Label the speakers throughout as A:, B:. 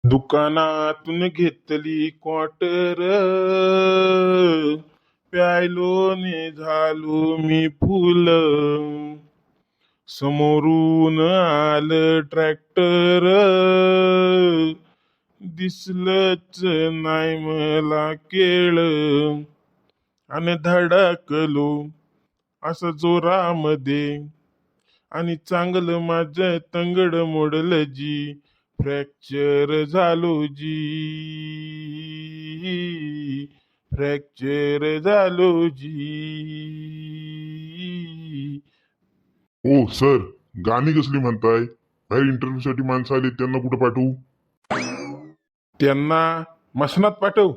A: दुकानातून घेतली क्वार्टर, प्यायलो ने झालो मी फुल. समोरून आलं ट्रॅक्टर, दिसलंच नाही मला केळ. आणि धडकलो असं जोरामध्ये, आणि चांगलं माझं तंगड मोडलं जी. फ्रॅक्चर झालो जी, फ्रॅक्चर झालो जी.
B: ओ सर, गाणी कसली म्हणताय? बाहेर इंटरव्ह्यू साठी माणसं आली, त्यांना कुठं पाठवू?
A: त्यांना मसनात पाठव.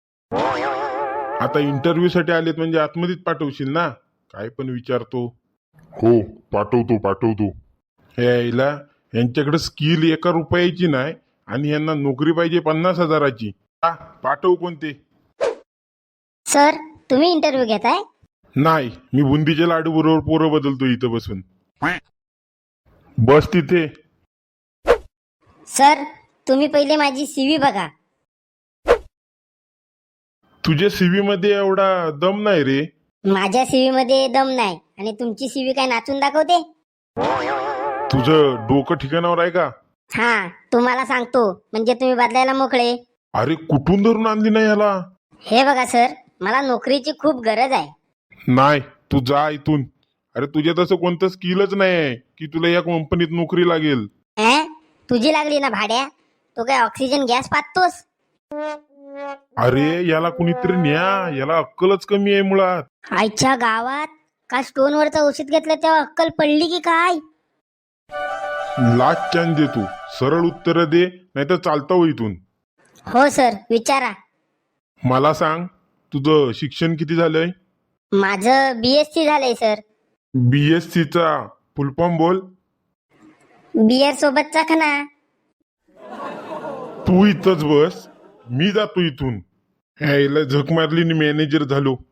A: आता इंटरव्ह्यू साठी आलेत म्हणजे आतमध्येच पाठवशील ना? काय पण विचारतो.
B: हो, पाठवतो.
A: यायला यांच्याकडे स्किल 1 रुपयाची नाही आणि यांना नोकरी पाहिजे 50,000ची. पाठव कोणते?
C: सर, तुम्ही इंटरव्ह्यू घेताय?
A: नाही, मी बुंदीच्या लाडू बरोबर पोरं बदलतो इथं बसून. बस तिथे.
C: सर, तुम्ही पहिले माझी सीव्ही बघा.
A: तुझ्या सीव्ही मध्ये एवढा दम नाही रे.
C: माझ्या सीव्ही मध्ये दम नाही आणि तुमची सीव्ही काय नाचून दाखवते?
A: तुझं डोकं ठिकाणावर आहे का?
C: हा, तुम्हाला सांगतो म्हणजे तुम्ही बदलायला मोकळे.
A: अरे कुठून धरून आणली नाही ह्याला?
C: हे बघा सर, मला नोकरीची खूप गरज आहे.
A: नाही, तू जा इथून. अरे तुझ्यात असं कोणतं स्किलच नाही आहे की तुला या कंपनीत नोकरी लागेल.
C: तुझी लागली ना भाड्या, तो काय ऑक्सिजन गॅस पाहतोस?
A: अरे याला कुणीतरी न्या, याला अक्कलच कमी आहे मुळात.
C: आईच्या गावात का स्टोनवरचं औषध घेतलं तेव्हा अक्कल पडली की काय?
A: लाच चान दे तू. सरळ उत्तर दे, नाहीतर चालता हो इथून.
C: हो सर, विचारा.
A: मला सांग, तुझं शिक्षण किती झालंय?
C: माझं BSc झालंय सर.
A: BSc चा फुलफॉर्म बोल.
C: बियर सोबतचा खना.
A: तू इथंच बस, मी जातो इथून. ह्याला झक मारली आणि मॅनेजर झालो.